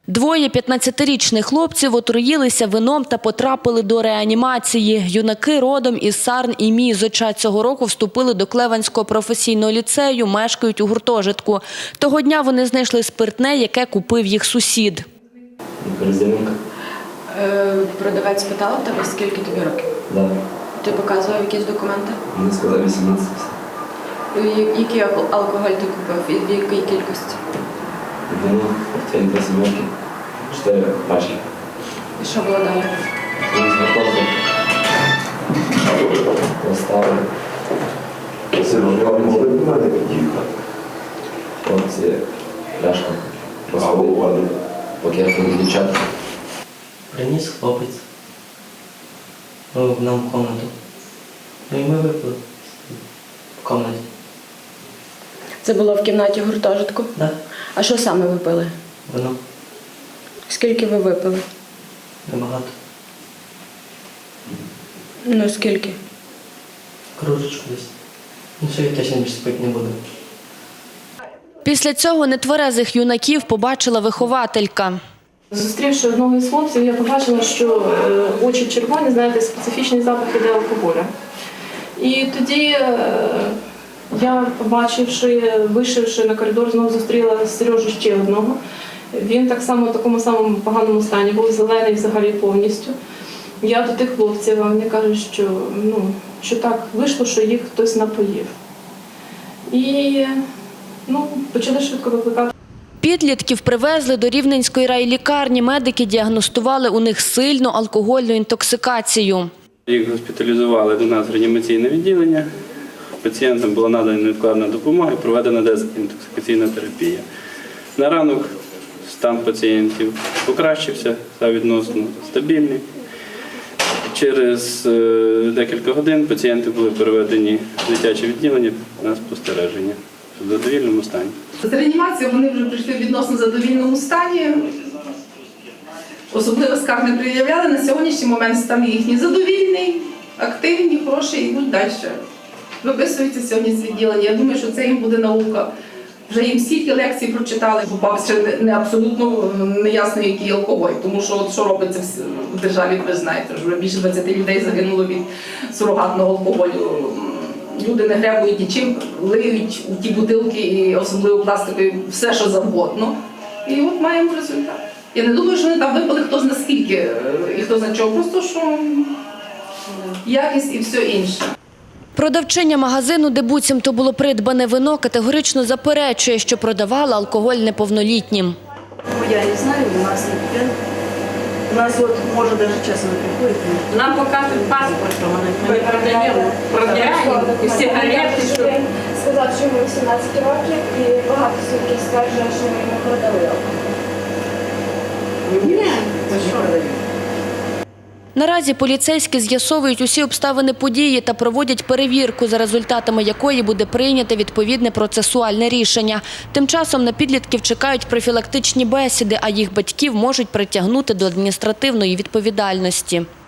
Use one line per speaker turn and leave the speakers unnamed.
Двоє 15-річних хлопців отруїлися вином та потрапили до реанімації. Юнаки родом із Сарн і Мізоча. Цього року вступили до Клевенського професійного ліцею, мешкають у гуртожитку. Того дня вони знайшли спиртне, яке купив їх сусід.
Продавець питав тебе, скільки тобі років?
Так.
Ти показував якісь документи?
Він сказав 18.
Який алкоголь ти купив і в якій кількості?
Вино, портфель до 7, 4 пачки.
І що було далі?
Він зготовив. Поставив. Хлопці, пляшку. Розпалив. Поки дівчат.
Приніс хлопець нам в кімнату. Ну і ми випили в кімнаті.
Це було в кімнаті гуртожитку?
Так,
А що саме ви пили?
вино
Скільки ви випили?
небагато.
Ну скільки?
Кружечку десь. Нічого я точно більше спити не буду.
Після цього нетверезих юнаків побачила вихователька.
Зустрівши одного із хлопців, я побачила, що очі червоні, знаєте, специфічний запах іде алкоголя. І тоді я, побачивши, вийшовши на коридор, знову зустріла Сережу ще одного. Він так само в такому самому поганому стані, був зелений взагалі повністю. Я до тих хлопців, а вони кажуть, що так вийшло, що їх хтось напоїв. І почали швидко викликати.
Підлітків привезли до Рівненської райлікарні. Медики діагностували у них сильну алкогольну інтоксикацію.
Їх госпіталізували до нас в реанімаційне відділення. Пацієнтам була надана невідкладна допомога і проведена дезінтоксикаційна терапія. На ранок стан пацієнтів покращився, став відносно стабільний. Через декілька годин пацієнти були переведені в дитяче відділення на спостереження в задовільному стані.
З реанімації вони вже прийшли в відносно задовільному стані. Особливо скарг не пред'являли. На сьогоднішній момент стан їхній задовільний, активні, хороші, і йдуть далі. Виписуються сьогодні з відділення. Я думаю, що це їм буде наука. Вже їм стільки лекцій прочитали, попався не абсолютно неясно, який алкоголь. Тому що що робиться в державі, ви знаєте, вже більше 20 людей загинуло від сурогатного алкоголю. Люди не гребують нічим, лиють у ті бутилки, і особливо пластикові, все, що завгодно. І от маємо результат. Я не думаю, що вони там випили хто зна скільки і хто зна чого, просто що якість і все інше.
Продавчиня магазину, де буцімто було придбане вино, категорично заперечує, що продавала алкоголь неповнолітнім.
Я не знаю, у нас не пьем. У нас вот, может, даже честно приходит.
Нам показывают паспорт, что мы продаем, проверяем, сигарети.
Сказав, що йому 18 років і багато свідків стверджує, що ми йому продали алкоголь.
Ні, це що продаю?
Наразі поліцейські з'ясовують усі обставини події та проводять перевірку, за результатами якої буде прийнято відповідне процесуальне рішення. Тим часом на підлітків чекають профілактичні бесіди, а їх батьків можуть притягнути до адміністративної відповідальності.